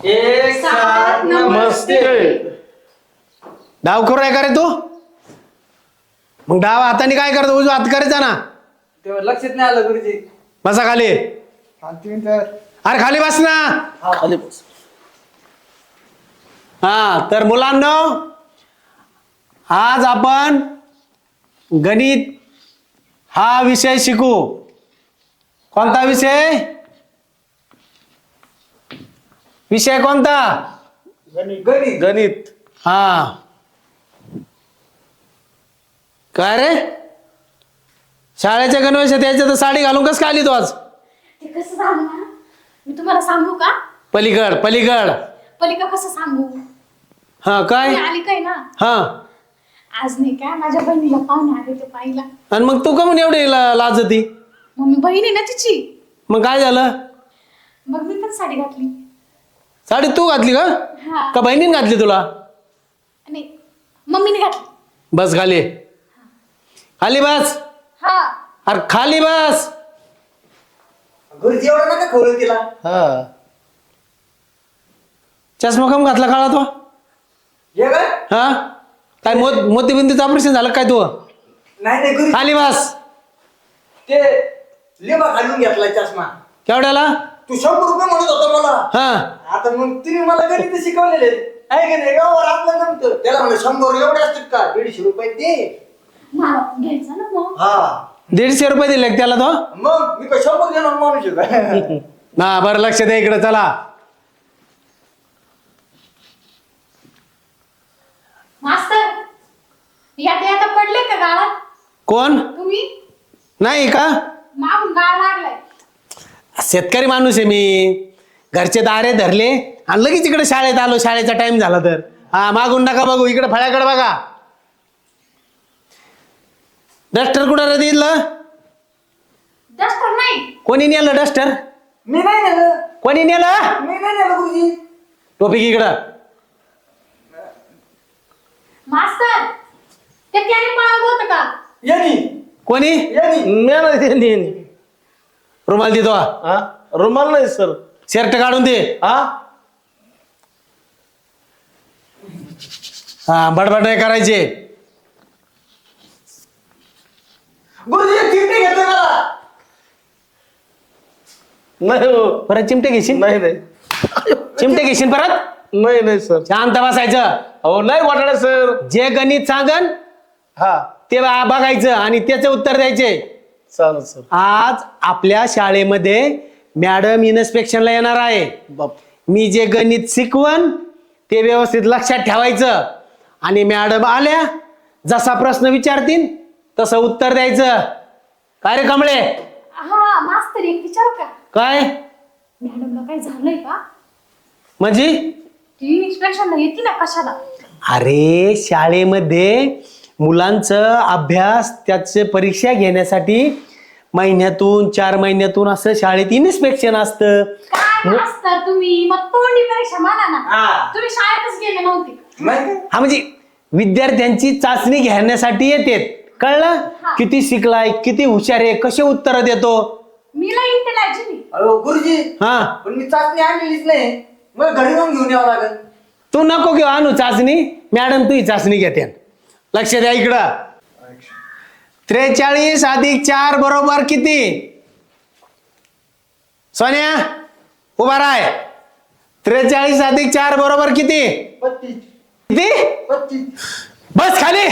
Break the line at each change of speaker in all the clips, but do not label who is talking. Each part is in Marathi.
एक साथ नमस्ते.
डाव करू आहे का रे तू? मग डाव हाताने काय करतो? उजवा हात करायचा ना.
तेव्हा लक्षात नाही आलं गुरुजी.
बसा खाली. अरे खाली बस ना.
खाली बस.
हा तर मुलांनो, आज आपण गणित हा विषय शिकू. कोणता विषय? विषय कोणता?
गणित.
गणित.
हा काय रे, शाळेच्या गणवेश त्याच्या तर साडी घालून कस काय आली तू आज?
ते कसं सांगू ना, मी तुम्हाला सांगू का?
पलीकड पलीकड.
पलिका कसं सांगू?
हा काय?
मी आली काय ना,
हा
आज नाही काय माझ्या बहिणीला पाहुणे आले ते पाहिला.
आणि मग तू का म्हणून एवढी लाजती?
मग मी बहीण आहे ना तिची.
मग काय झालं?
मग मी पण साडी घातली.
साडी तू घातली का?
हा
का बहिणीने घातली तुला?
नाही, मम्मीने घातली.
बस खाली. खाली बस.
हा
अरे खाली बस.
गुरुजी एवढं नका खोलू तिला.
हा चष्मा कम घातला काळा तो?
हे काय?
हा काय मोतीबिंदूचं ऑपरेशन झालं काय तू?
नाही नाही गुरुजी,
खाली बस.
ते लिंबा घालून घेतलाय चष्मा.
केवढ्याला?
तू 100 रुपये म्हणत होता मला.
हा
आता मग तुम्ही मला गणित शिकवलेले आहे का नाही? गावावर आपलं जमतं. त्याला म्हणलं 100 एवढे असतात का? 150 रुपये दे.
मला पण घ्यायचं ना मग.
हा
150 रुपये दिले का त्याला तो?
मग मी काय 100 देणार माणूस आहे का?
ना बरं लक्ष द्या इकडे. चला
मास्तर, यात पडले का गाळात?
कोण?
तुम्ही
नाही का?
मागून गाळ लागलाय.
शेतकरी माणूस आहे मी. घरचे दारे धरले आणि लगेच इकडे शाळेत आलो. शाळेचा टाइम झाला तर. हा मागून नका बघू, इकडे फळ्याकडे बघा. डस्टर कुठं रे दिलं?
डस्टर नाही.
कोणी नेलं डस्टर?
मी नाही नेलं.
कोणी नेलं?
मी नाही नेलं गुरुजी.
टोपी इकडं.
मास्तर, ते त्याने पळवलं होतं का?
यांनी
कोणी?
यांनी
रुमाल देतो.
हा रुमाल नाही सर.
शर्ट काढून दे.
हा
हा बडबड नाही करायचे.
गुरुजी चिमटे घेतोय मला.
नाही हो.
परत चिमटे घेशील?
नाही नाही
चिमटे घेशील परत?
नाही नाही सर.
शांत बसायचं.
हो नाही वाटणार सर.
जे गणित सांगन
हा
ते बघायचं आणि त्याचे उत्तर द्यायचे.
चालेल सर.
आज आपल्या शाळेमध्ये मॅडम इन्स्पेक्शनला येणार आहे.
बाप.
मी जे गणित शिकवण ते व्यवस्थित लक्षात ठेवायचं आणि मॅडम आल्या जसा प्रश्न विचारतील तसं उत्तर द्यायचं. काय रे कमळे?
हा मास्तर, एक विचारू का?
काय
मॅडमला काय झालंय का?
म्हणजे?
ती इन्स्पेक्शनला येते ना कशाला?
अरे शाळेमध्ये मुलांचं अभ्यास त्याचे परीक्षा घेण्यासाठी महिन्यातून 4 महिन्यातून असं शाळेत इन्स्पेक्शन असतं.
काय मास्तर तुम्ही मग तोंडी परीक्षा म्हणा ना.
हा.
तुम्ही शाळेतच गेले नव्हते का?
नाही.
हा म्हणजे विद्यार्थ्यांची चाचणी घेण्यासाठी येते. कळलं?
हा.
किती शिकलाय, किती हुशार आहे, कसे उत्तर देतो.
मी लई इंटेलिजंट.
अहो गुरुजी,
हा
पण मी चाचणी आणलेलीच नाही. मग घरी जाऊन घेऊन यावं लागेल.
तू नको घेऊ आणू चाचणी. मॅडम तुझी चाचणी घेते. लक्ष द्या इकडं. 43 + 4 बरोबर किती? सोन्या उभा राय. 43 + 4 बरोबर किती?
35.
किती?
35.
बस खाली.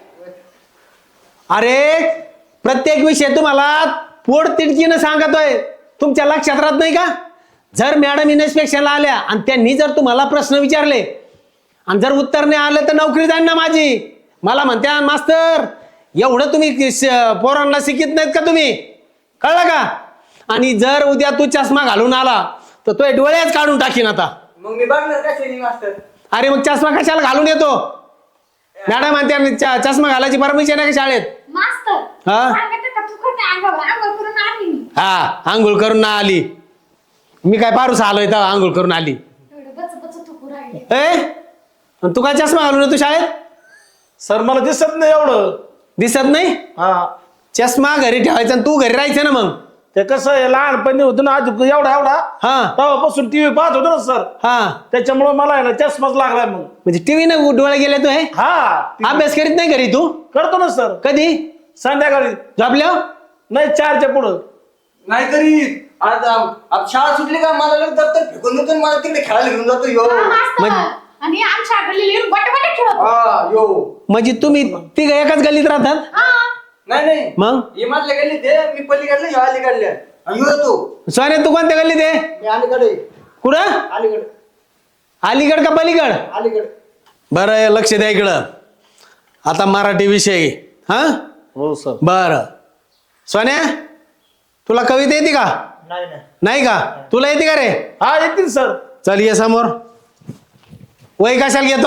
अरे प्रत्येक विषय तुम्हाला पोट तिडकीनं सांगतोय. तुमच्या लक्षात राहत नाही का? जर मॅडम इन्स्पेक्शनला आल्या आणि त्यांनी जर तुम्हाला प्रश्न विचारले आणि जर उत्तर नाही आलं तर नोकरी जाईल ना माझी. मला म्हणत्या मास्तर एवढं तुम्ही पोरांना शिकित नाहीत का तुम्ही? कळलं का? आणि जर उद्या तू चष्मा घालून आला तर तो डोळ्याच काढून टाकीन आता.
मग मी बघणार कशाने मास्तर?
अरे मग चष्मा कशाला घालून येतो? मॅडम म्हणते चष्मा घालायची परमिशन आहे का शाळेत?
मास्तर,
हा?
सांगते का तू खोटे अंगावर अंघोळ करून आली मी.
हा आंघोळ करून ना आली. मी काय पारूस आलोय तर आंघोळ करून आली.
एवढं बच बच थुकू राहिले.
ए तू काय चष्मा घालून येतो शाळेत?
सर मला दिसत नाही एवढं.
दिसत नाही?
हा
चष्मा घरी ठेवायचा आणि तू घरी राहायचं ना. मग
ते कसं आहे लहानपणी होतं ना आज एवढा एवढा
हा
तेव्हापासून टीव्ही पाहत होतो ना सर
हा
त्याच्यामुळे मला आहे ना चष्माच लागलाय मग
म्हणजे टीव्ही ना डोळे गेले तू हे
हा
अभ्यास करीत नाही घरी तू
करतो ना सर
कधी
संध्याकाळी
झोपल्या
नाही 4च्या पुढं
नाही करीत आज शाळा सुटली का मला लगेच दप्तर फेकून देतो आणि मला तिकडे खेळायला घेऊन जातो यो
हा, मास्तर. आणि आमच्या गल्लीला येऊन बटाबटा खेळत.
हा यो
म्हणजे तुम्ही तिघ एकाच गल्लीत राहतात
हा.
नाही
मग
हे माझ्या गेली ते मी पलीकडले ह्यो अलीकडले आणि यो तू
सोन्या तू कोणत्या गल्लीत आहे
मी अलीकडे
कुठं
अलीकडे
अलीगड का पलीगड
अलीकडे
बरं लक्ष द्या इकडं आता मराठी विषय हा
हो सर
बर सोन्या तुला कविता येते का
नाही नाही
नाही का तुला येते का रे
हा येतील सर
चल ये समोर वय कशाला घेतो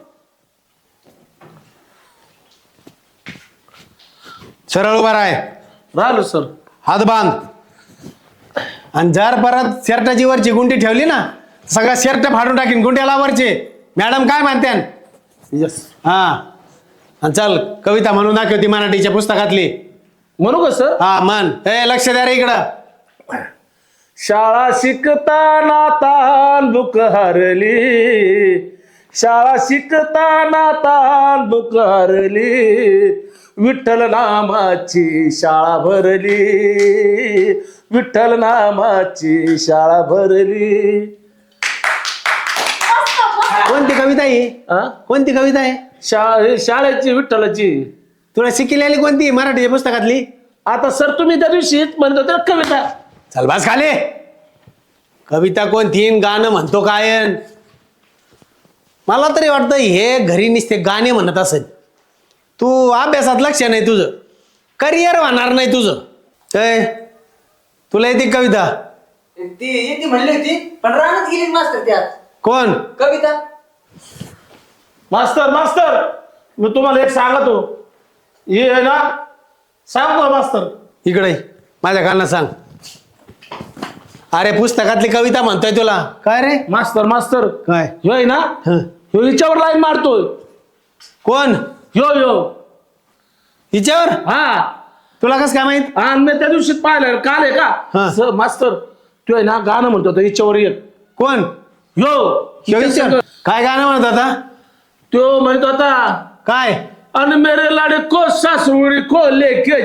सरळ उभा आहे
राहिलो सर
हात बांध आणि जर परत शर्टाची वरची गुंडी ठेवली ना सगळा शर्ट फाडून टाकीन गुंड्याला वरचे मॅडम काय म्हणत्यान
यस
हा आणि चल कविता म्हणून दाखवती मराठीच्या पुस्तकातली
म्हणू का सर
हा मन ए लक्ष द्या रे इकडं
शाळा शिकताना तांदूक हरली शाळा शिकताना तांदूक हरली विठ्ठल नामाची शाळा भरली विठ्ठल नामाची शाळा भरली
मस्त, मस्त.
कोणती कविता आहे
हा?
कोणती कविता आहे
शाळेची विठ्ठलाची
तुला शिकलेली कोणती मराठीच्या पुस्तकातली
आता सर तुम्ही त्या दिवशी म्हणत होते ना कविता
चल बस खाले कविता कोणती न गाणं म्हणतो काय मला तरी वाटतं हे घरी नुसते गाणे म्हणत असेल तू अभ्यासात लक्ष नाही तुझं करिअर होणार नाही तुझं काय तुला येते कविता
ती येते म्हणली होती पण रानात गेली मास्तर त्यात
कोण
कविता
मास्तर मास्तर मी तुम्हाला एक सांगतो हे आहे ना सांगतो मास्तर
इकडे ये. माझ्या कानात सांग अरे पुस्तकातली कविता म्हणतोय तुला काय रे
मास्तर मास्तर
काय
ह्यो आहे ना
हं.
ह्यो हिच्यावर लाईन मारतोय
कोण
ह्यो ह्यो
हिच्यावर
हा
तुला कसं काय माहित
आणि मी त्या दिवशी पाहिलं काल आहे
हा.
का सर मास्तर तो आहे ना गाणं म्हणतो तो हिच्यावर एक
कोण
ह्यो
ह्यो हिच्यावर? काय गाणं म्हणत आता
तो म्हणतो आता
काय
अन मेरे लड़को ससुर को लेके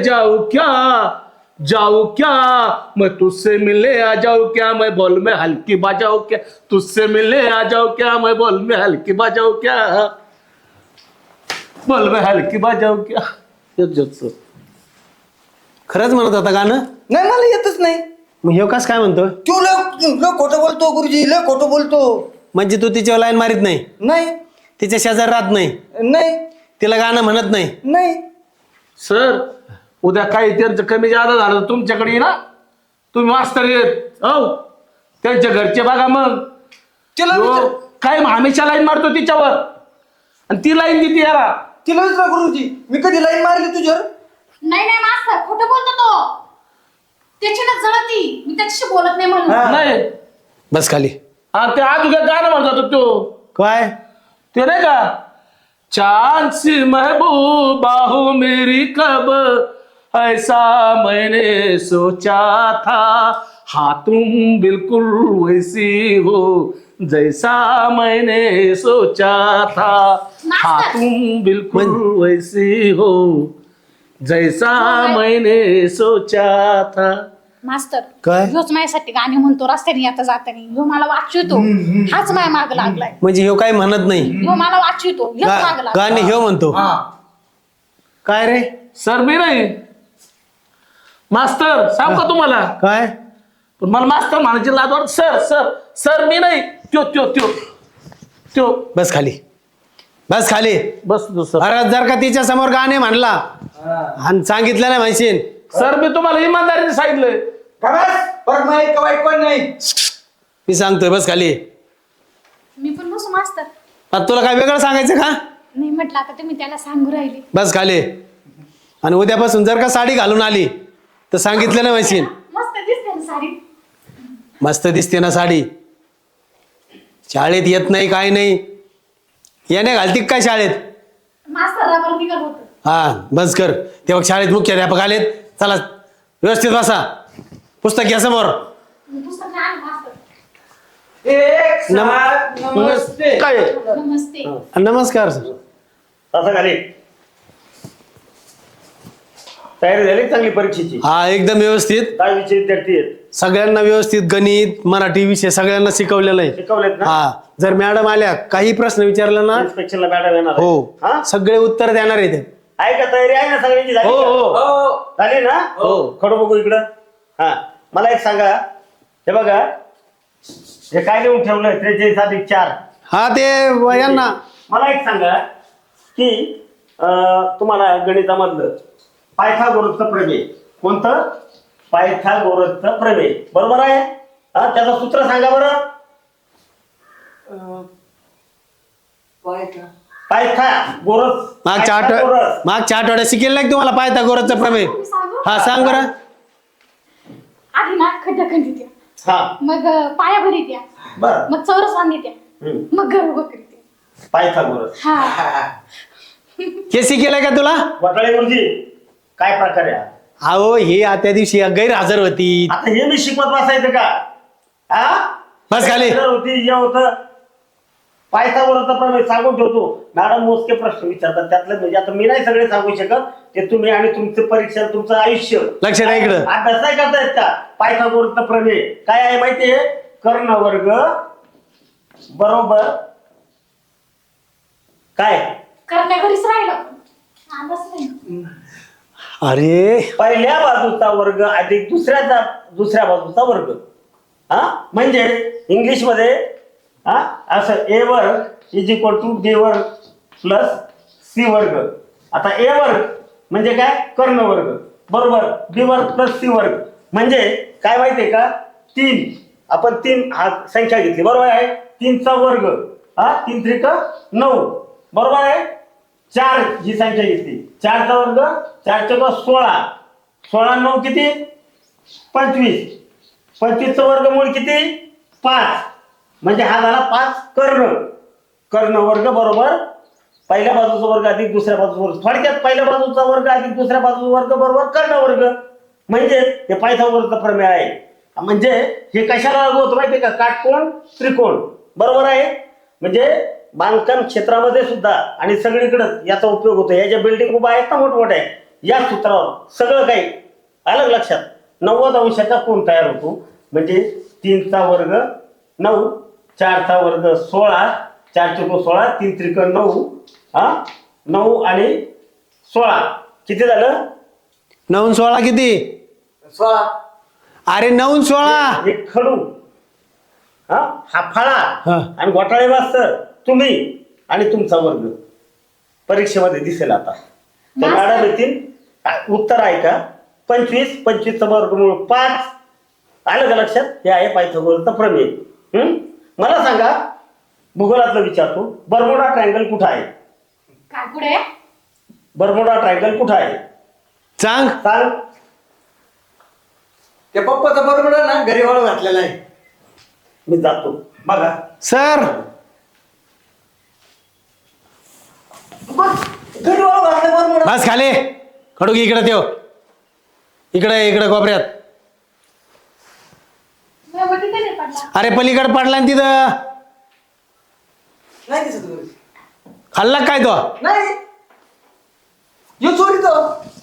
जाऊं क्या मैं तुझसे मिले आ जाऊं क्या मैं बोल में हल्की बजाऊं क्या तुझसे मिले आ जाऊं क्या मैं बोल में हल्की बजाऊं क्या बोल में हल्की बजाऊं क्या
खरंच म्हणत होता गाणं
नाही मला येतच नाही
मग ह्यो कस काय म्हणतो
तू लय खोटं बोलतो गुरुजी लय खोटं बोलतो
म्हणजे तू तिच्यावर लाईन मारित नाही
नाही
तिच्या शेजार राहत नाही
नाही
तिला गाणं म्हणत नाही
नाही
सर उद्या काही त्यांचं कमी जादा झालं तर तुमच्याकडे ये ना तुम्ही मास्तर येत हो त्यांच्या घरचे बघा मग
तिला
ह्यो
विचार
काय हमेशा लाईन मारतो तिच्यावर आणि ती लाईन देते याला
तिला विचारा गुरुजी मी कधी लाईन मारली तुझ्यावर
नाही नाही मास्तर खोटं बोलतो तो त्याची ना जळती मी त्याच्याशी बोलत नाही म्हणून
हा.
नाही
बस खाली
आणि ते आज उद्या गाणं म्हणतात तो
काय
ते नाही का चांद सी महबूबा हो मेरी कब ऐसा मैंने सोचा था हाँ तुम बिल्कुल वैसी हो जैसा मैंने सोचा था हाँ तुम बिल्कुल वैसी हो जैसा मैंने सोचा था
मास्तर
काय?
ह्योच माझ्यासाठी गाणे म्हणतो रस्त्याने येता जाताना ह्यो मला वाचवितो हाच माझ्या माग लागलाय
म्हणजे ह्यो काय म्हणत नाही
ह्यो मला वाचवितो ह्योच माग लागलाय
गाणे ह्यो म्हणतो
हा
काय रे
सर मी नाही मास्तर सांग का तुम्हाला
काय
पण मला मास्तर म्हणायची लाज वाटत सर सर सर मी नाही त्यो त्यो त्यो त्यो
बस खाली बस खाली
बस सर
अरे जर का तिच्या समोर गाणे म्हणला आणि सांगितलं नाही म्हणशील
सर मी तुम्हाला इमानदारीने सांगितलंय
का बस परत माहित का वाईट कोण नाही
मी सांगतोय बस खाली
मी पण बसू मास्तर
आता तुला काय वेगळं सांगायचं का
नाही म्हटलं आता तुम्ही त्याला सांगू राहिले
बस खाली आणि उद्यापासून जर का साडी घालून आली तर सांगितलं नाही म्हणशील
मस्त दिसते ना साडी
मस्त दिसते ना साडी शाळेत येत नाही काय नाही याने घालती काय शाळेत
मास्तर रबर निघत होत
हा बस कर तेव्हा शाळेत मुख्याध्यापक आलेत चला व्यवस्थित बसा पुस्तक घ्या समोर.
पुस्तक नाही आणलं मास्तर.
एक साथ नमस्ते.
काय
नमस्ते.
नमस्कार सर.
असं खाली तयारी झाली चांगली परीक्षेची?
हा एकदम व्यवस्थित.
काय विषय विद्यार्थी आहेत?
सगळ्यांना व्यवस्थित गणित मराठी विषय सगळ्यांना शिकवलेलं आहे.
शिकवलेत ना?
हा जर मॅडम आल्या काही प्रश्न विचारला ना
इन्स्पेक्शनला मॅडम येणार आहे.
हो
हा?
सगळे उत्तर देणार आहे ते.
आहे का तयारी आहे ना सगळ्यांची झाली
हो
का?
हो
झाली ना?
हो.
खडू बघू इकडं. हा मला एक सांगा, हे बघा हे काय लिहून ठेवलंय 43+4.
हा ते यांना
मला एक सांगा की तुम्हाला गणितामधलं पायथागोरसचं प्रमेय कोणतं? पायथागोरसचं प्रमेय बरोबर आहे? हा त्याचं सूत्र सांगा बरं. पायथागोरस.
मागच्या आठवड्यात शिकेल नाही का तुम्हाला पायथागोरसचं प्रमेय?
मी सांगू?
हा सांग बरं.
आधी ना खड्डा खंदी द्या,
हा
मग पाया भरी द्या,
बर.
मग चौरस वांदी द्या, मग घर उभं करी द्या.
पायथागोरस.
हा
हे शिकेलंय का तुला?
वटाळे गुरुजी काय प्रकार आहे हा?
अहो हे त्या दिवशी गैरहजर होती.
आता हे मी शिकवत बसायचं का? हा
बस खाली.
गैरहजर होती हे होतं. पायथागोरसचा प्रमेय सांगून ठेवतो. मॅडम मोजके प्रश्न विचारतात त्यातलं, म्हणजे आता मी नाही सगळे सांगू शकत, ते तुम्ही आणि तुमचं परीक्षा तुमचं आयुष्य.
लक्ष द्या इकडं.
अभ्यास नाही करतायत का? पायथागोरसचा प्रमेय काय आहे माहितीये? कर्ण वर्ग बरोबर काय?
करण्या घरीच राहिलं अंदाज नाही.
अरे
पहिल्या बाजूचा वर्ग अधिक दुसऱ्या बाजूचा वर्ग. हा म्हणजे इंग्लिश मध्ये हा असं ए वर्ग इज इक्वल टू बी वर्ग प्लस सी वर्ग. आता ए वर्ग म्हणजे काय? कर्ण वर्ग बरोबर. बी वर्ग प्लस सी वर्ग म्हणजे काय माहितीये का? 3 आपण 3 हा संख्या घेतली बरोबर आहे. 3चा वर्ग हा 3 3 9 बरोबर आहे. 4 ही संख्या घेतली 4चा वर्ग 4 × 16 16 9 किती? 25 25चं वर्गमूळ किती? 5 म्हणजे हा झाला 5 कर्ण वर्ग बरोबर पहिल्या बाजूचा वर्ग अधिक दुसऱ्या बाजूचा वर्ग. थोडक्यात पहिल्या बाजूचा वर्ग अधिक दुसऱ्या बाजूचा वर्ग बरोबर कर्ण वर्ग. म्हणजे हे पायथागोरसचा प्रमेय आहे. म्हणजे हे कशाला लागू होतं माहितीये का? काटकोण त्रिकोण बरोबर आहे. म्हणजे बांधकाम क्षेत्रामध्ये सुद्धा आणि सगळीकडे याचा उपयोग होतो. या ज्या बिल्डिंग उभा आहेत ना मोठमोठ्या, या सूत्रावर सगळं काही आलं लक्षात. 90 अंशाचा कोण तयार होतो. म्हणजे 3चा वर्ग 9 4चा वर्ग 16 4 × 16 3 3 9 हा 9 आणि 16 किती झालं?
9 16 किती?
16.
अरे 9 16.
एक खडू हा फळा
हा.
आणि घोटाळे मास्तर तुम्ही आणि तुमचा वर्ग परीक्षेमध्ये दिसेल. आता तर मॅडम येतील उत्तर आहे का? 25 25चं वर्गमूळ 5 आलं का लक्षात? हे आहे पायथागोरसचा प्रमेय. मला सांगा, भूगोलातलं विचारतो, बर्मुडा ट्रायंगल कुठं आहे?
काय पुढे?
बर्मुडा ट्रायंगल कुठं आहे?
सांग.
सांग.
ते पप्पाचा बरोबर ना घरी वाळू घातलेला आहे.
मी जातो बघा.
सर
घरी वाळू घातलं बरोबर.
बस खाली. खडू घे इकडे त्यो. इकडे कोपऱ्यात.
तिथे नाही पडला.
अरे पलीकडे पडला ना तिथं.
नाही दिसत घरी.
खाल्ला काय तो?
नाही यो चोरी तो.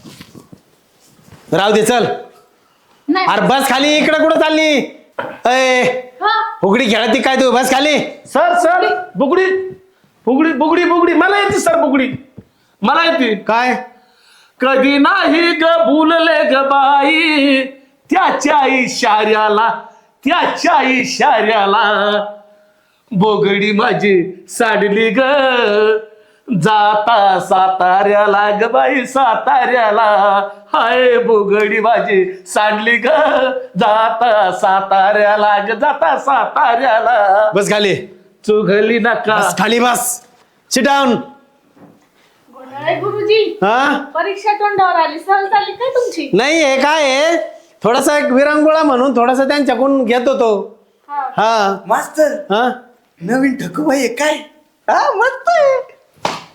राहू दे चल.
नाही.
अरे बस खाली. इकडे कुठं चालली? अय
हा.
फुगडी खेळती काय तू? बस खाली.
सर बुगडी बुगडी बुगडी बुगडी मला येते सर. बुगडी मला येते.
काय?
कधी नाही ग भूलले ग बाई त्याच्या इशाऱ्याला बोगडी माझी साडली ग जाता साताऱ्याला ग बाई साताऱ्याला. हाय बोगडी माझी सांडली ग जाता साताऱ्याला ग जाता साताऱ्याला.
बस खाली.
चुघली नका.
बस खाली बस. Sit down.
गोंधळ गुरुजी,
हा
परीक्षा तोंडावर आली. सहल झाली काय तुमची?
नाही हे काय आहे, थोडासा एक विरंगुळा म्हणून थोडासा त्यांच्याकडून घेत होतो.
हा.
हा
मास्तर
हा
नवीन ठकूबाई आहे काय? हा मस्त आहे.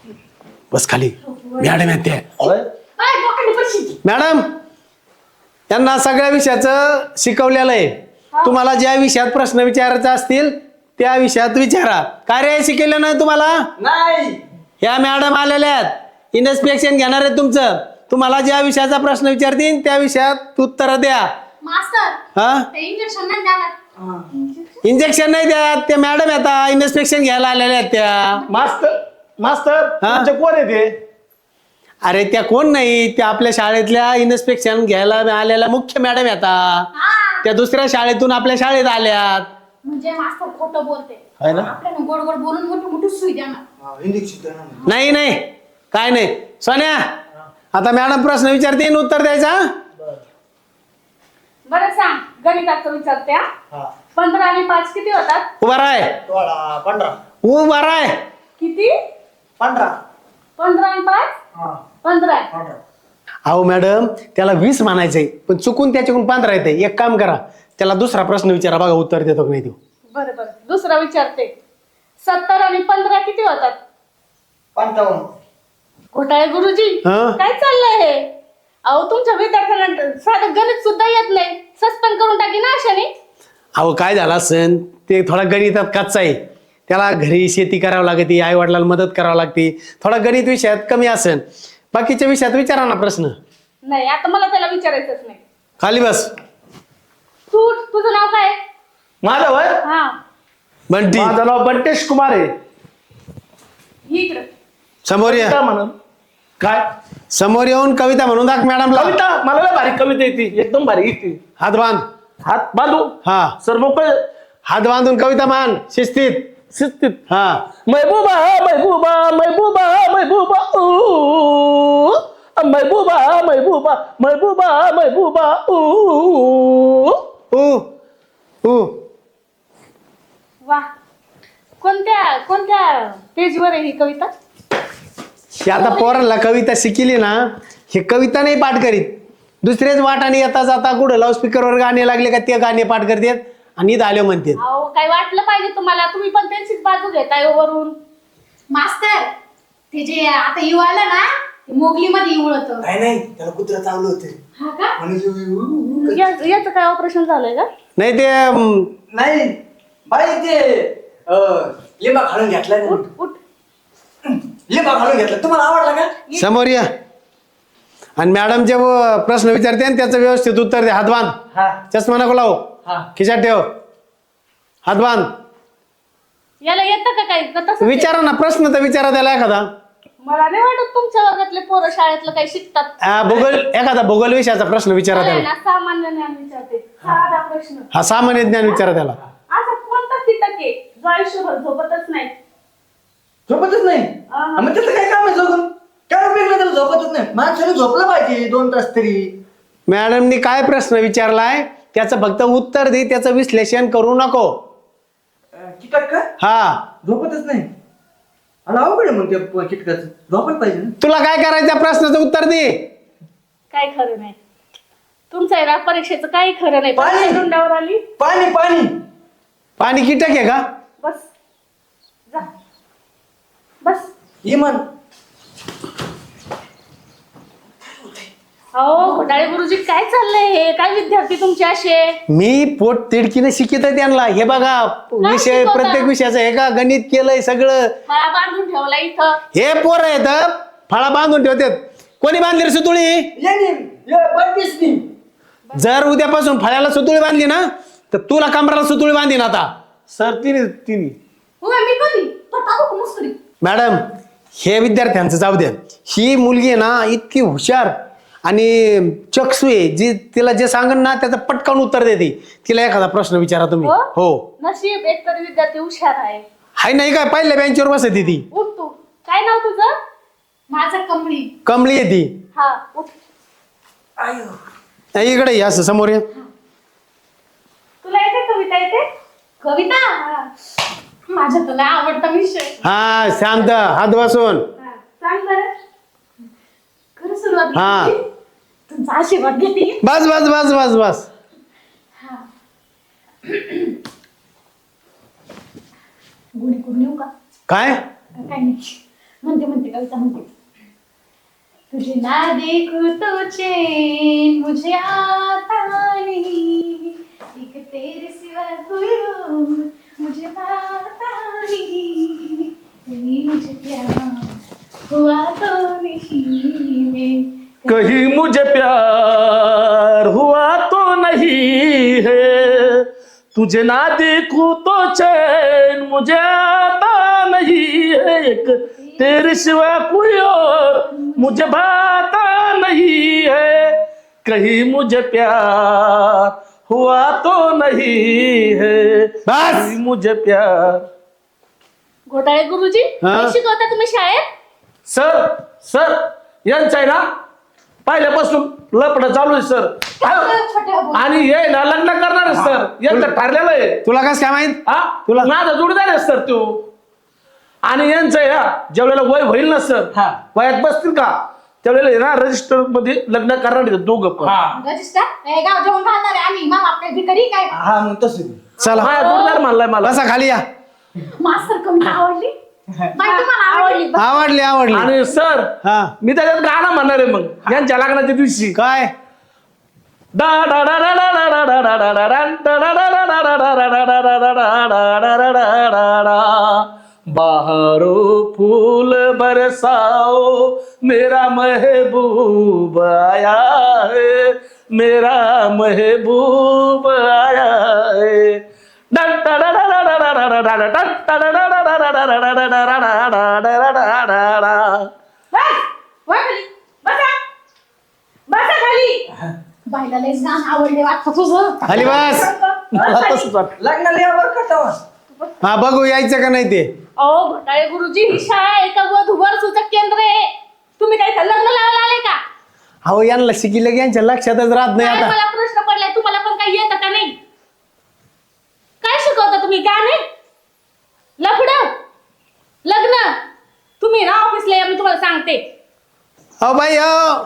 बस खाली. मॅडम येते.
होय?
काय लोकांनी पैसे?
मॅडम त्यांना सगळ्या विषयाचं शिकवलेलं आहे. तुम्हाला ज्या विषयात प्रश्न विचारायचे असतील त्या विषयात विचारा. काय रे शिकवलं नाही तुम्हाला?
नाही.
या मॅडम आलेल्या आहेत, इन्स्पेक्शन घेणार आहे तुमचं. तुम्हाला ज्या विषयाचा प्रश्न विचारतील त्या विषयात उत्तर द्या.
मास्तर
हा,
ते इंजेक्शन नाही द्यायला.
इंजेक्शन नाही द्या. त्या मॅडम आता इन्स्पेक्शन घ्यायला आलेल्या आहेत त्या.
मास्तर मास्तर
हा?
तुमचे कोण आहे ते?
अरे त्या कोण नाही, त्या आपल्या शाळेतल्या इन्स्पेक्शन घ्यायला आलेल्या मुख्य मॅडम आता.
हा
त्या दुसऱ्या शाळेतून आपल्या शाळेत आल्यात.
म्हणजे मास्तर खोटं बोलते.
आहे ना?
आपल्याला गोड गोड बोलून मोठी मोठी सुई देणार.
इंजेक्शन
नाही नाही काय नाही. सोन्या आता मॅडम प्रश्न विचारते उत्तर द्यायचा.
बरं सांग, गणिताचं विचारते हा. 15 आणि 5 किती होतात?
उभा राय,
15.
उभा राय.
किती?
15.
15 आणि 5? 15.
अहो मॅडम त्याला 20 म्हणायचंय पण चुकून त्याच्याकडून 15 येते. एक काम करा, त्याला दुसरा प्रश्न विचारा, बघा उत्तर देतो की नाही देऊ.
बरं बरं, दुसरा विचारते. 70 आणि 15 किती होतात?
55.
घोटाळे गुरुजी,
हा?
काय चाललंय हे? अहो तुमच्या विद्यार्थ्यांना साधं गणित सुद्धा येत नाही. सस्पेंड करून टाकी ना अशाने.
अहो काय झाला सण, ते थोडा गणितात कच्चा आहे. त्याला घरी शेती करावं लागते, आई वडिलांना मदत करावं लागते. थोडा गणित विषयात कमी असेल, बाकीच्या विषयात विचारा ना प्रश्न.
नाही, आता मला त्याला विचारायचंच नाही.
खाली बस.
तुझं नाव काय?
माझं वय
हा,
बंटी
माझं नाव बंटेश कुमार आहे.
इकडं.
समोर ये.
काय म्हणून? काय
समोर येऊन कविता म्हणून दाख मॅडमला.
कविता? मला लय भारी कविता येते, एकदम भारी येते.
हात बांध.
हात बांधू?
हा,
सर मोकळे.
हात बांधून कविता मान शिस्तीत.
शिस्तीत.
हा,
महबूबा महबूबा महबूबा महबूबा ऊ महबूबा महबूबा महबूबा महबूबा
ऊ ऊ.
वा, कोणत्या पेजवर आहे ही कविता?
ही आता पोरांना कविता शिकली ना, हे कविता नाही पाठ करीत. दुसरेच वाटाने येता जाता कुठं लाऊडस्पीकरवर गाणे लागले का ते गाणे पाठ करतात आणि इथं आले म्हणतात.
अहो काय वाटलं पाहिजे तुम्हाला, तुम्ही पण त्यांचीच बाजू घेताय वरून.
मास्तर ते जे आता येऊ आलं ना, ते मोगली मध्ये येऊळत.
नाही त्याला कुत्रा चावलं होतं.
हा का?
म्हणजे
याचं काय ऑपरेशन झालंय का?
नाही ते
नाही बाई ते लिंबा घालून घेतला.
उठ उठ.
लिंबा घालून घेतला. तुम्हाला आवडला का?
समोर या आणि मॅडम जे प्रश्न विचारते आणि त्याचं व्यवस्थित उत्तर दे. हात बांध.
हा.
चष्मा नको लावू.
हा.
खिशात ठेव. हात बांध.
याला येतं का काही? का तसंच आहे?
विचारा ना प्रश्न, तर विचारा त्याला एखादा.
मला नाही वाटत तुमच्या वर्गातले पोरं शाळेतलं काही शिकतात.
भूगोल, एखादा भूगोल विषयाचा प्रश्न विचारा
मला आहे
त्याला.
ना सामान्य ज्ञान विचारते. साधा प्रश्न.
हा सामान्य ज्ञान विचारा त्याला.
असा कोणता कीटक आहे जो आयुष्यभर झोपतच नाही?
झोपतच नाही.
हा.
मग त्याचं काय काम आहे झोपून? काय उपयोग नाही त्याला झोपतच नाही. माणसाने झोपलं पाहिजे 2 तास तरी.
मॅडमनी काय प्रश्न विचारलाय त्याचं फक्त उत्तर दे, त्याचं विश्लेषण करू नको.
कीटक का
हा,
झोपतच नाही? आणि अवघड आहे मग त्या कीटकाचं. झोपत पाहिजे ना.
तुला काय करायचं प्रश्नाचं उत्तर दे.
काय खरं नाही तुमचं आहे ना, परीक्षेचं काही खरं नाही.
पाणी.
परीक्षा तोंडावर आली.
पाणी पाणी
पाणी कीटक आहे का?
बस जा बस.
इमान.
अहो घोटाळे गुरुजी, काय चाललंय हे? काय विद्यार्थी तुमचे असे?
मी पोट तिडकीने शिकित आहे त्यांना. हे बघा विषय,
शिकवता?
प्रत्येक विषयाचं हे का गणित केलंय सगळं.
मला बांधून ठेवला इथं.
हे पोर आहेत फळा बांधून ठेवतात. कोणी बांधली रे सुतुळी?
बत्तीसनी.
जर उद्यापासून फळ्याला सुतुळी बांधली ना तर तुला कमराला सुतुळी बांधीन आता.
सर तिने
होय मी कधी तो टाकू मुस्करी.
मॅडम हे विद्यार्थ्यांचं जाऊ द्या. ही मुलगी आहे ना इतकी हुशार आणि चक्षू आहे, जी तिला जे सांगन ना त्याचं पटकन उत्तर देते. तिला एखादा प्रश्न विचारा तुम्ही. हो,
नशीब एकतरी विद्यार्थी हुशार आहे.
हाय नाही काय पहिल्या बेंचवर बसते ती.
उठ तू. काय नाव तुझं?
माझं कमळी.
कमली आहे ती.
हा उठ.
नाही, इकडे ये, असं समोर ये.
तुला येते कविता येते?
कविता माझा तुला आवडता विषय.
हा शांत, हात बसून.
हा, सांग बरं.
खरं सुरुवात
हा.
केली? तुमचा आशीर्वाद घेते.
बस बस बस बस बस.
गुणी करून येऊ का?
काय?
काय नाही म्हणते कविता म्हणते. तुझे ना देखूं तो चैन मुझे आता नहीं, एक तेरे सिवा कोई और मुझे आता नहीं, कहीं मुझे प्यार हुआ तो नहीं मैं
कहीं मुझे प्यार हुआ तो नहीं है, तुझे ना देखूं तो चैन मुझे आता नहीं है, एक तेरे सिवा कोई और मुझे भाता नहीं है, कहीं मुझे प्यार हुआ तो नहीं है,
बस.
कहीं मुझे प्यार.
घोटाळे गुरुजी
हा?
काय शिकवता तुम्ही शाळेत?
सर यांचं आहे ना पहिल्यापासून लपडं चालू आहे सर.
छोट्या
आणि हे ना लग्न करणार आहे सर, यांचं ठरलेलं आहे.
तुला कसं काय माहित
हा
तुला-
माझा जोडीदार आहे सर तो. आणि यांचं आहे ना ज्यावेळेला वय होईल ना सर,
हा.
वयात बसतील का त्यावेळेला आहे ना रजिस्टर मध्ये लग्न करणार आहेत दोघं पण.
रजिस्टर गाव जेवण घालणार आहे आम्ही, मग आपल्या भिकारी काय
हा मग तसं
चला
माझा जोडीदार म्हणलाय मला.
बसा खाली या.
मास्तर कमी आवडली बाई तुम्हाला आवडली
आवडली आवडली.
आणि सर
हा
मी त्याच्यात गाणं म्हणणार आहे मग यांच्या लग्नाच्या दिवशी.
काय
बहारो फूल बरसाओ मेरा महबूब आया है, मेरा महबूब आया है.
बाईला लयच गाणं आवडले वाटतं तुझं.
खाली बस.
लग्नाला या बरं का तेव्हा.
हा बघू यायचं का नाही ते.
अहो घोटाळे गुरुजी ही शाळा आहे का वधूवर सूचक केंद्र आहे? तुम्ही काय इथं लग्न लावायला आले का?
अहो यांना शिकिलं की यांच्या लक्षातच राहत नाही
काय
आता.
मला प्रश्न पडलाय, तुम्हाला पण काही येतं का नाही? काय शिकवता तुम्ही? गाणे, लफडं, लग्न. तुम्ही ना ऑफिसला या, मी तुम्हाला सांगते.
अहो बाई अहो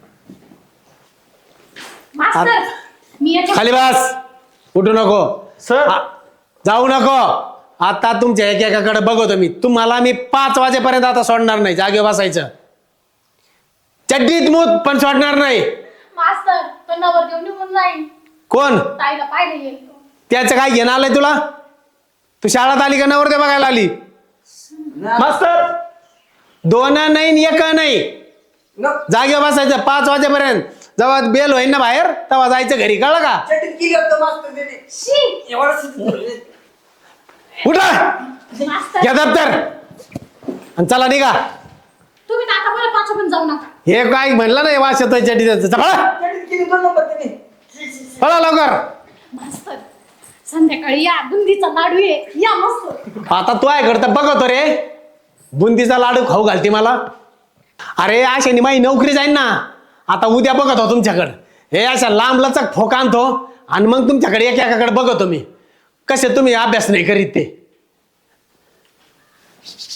मास्तर मी याच्या
खाली बस. उठू नको.
सर
जाऊ नको. आता तुमच्या एकेकाकडे बघतो मी. तुम्हाला मी 5 वाजेपर्यंत आता सोडणार नाही. जागे बसायचं. चड्डीत मूत पण सोडणार नाही.
मास्तर तो नवर घेऊन निघून जाईल,
कोण
ताईला पाहिलं येईल.
त्याचं काय घेणं आलंय तुला? तू शाळेत आली का नवरते बघायला आली?
मास्तर
2 नाही 1 नाही.
न-
जागे बसायचं 5 वाजेपर्यंत. जेव्हा बेल होईन ना बाहेर तेव्हा जायचं घरी. कळलं का?
चटीत केली होतं मास्तर त्याने.
शी
एवढं शिकवलं.
उठा.
मास्तर
घ्या दप्तर आणि चला निघा.
तुम्ही तर आता बरं पाच पण जाऊ नका.
हे काय म्हणलं नाही वास येतोय चड्डीचं. चला
चटीत केली 2 नंबर त्याने.
पळा लवकर.
मास्तर संध्याकाळी या, बुंदीचा लाडू आहे या मस्त.
आता तू आहे करता बघतो रे. बुंदीचा लाडू खाऊ घालते मला. अरे अशाने माझी नोकरी जाईन ना. आता उद्या बघतो तुमच्याकडं. हे अशा लांब लचक फोक आणतो आणि मग तुमच्याकडे एकेकाकडे बघतो मी. कसे तुम्ही अभ्यास नाही करीत ते.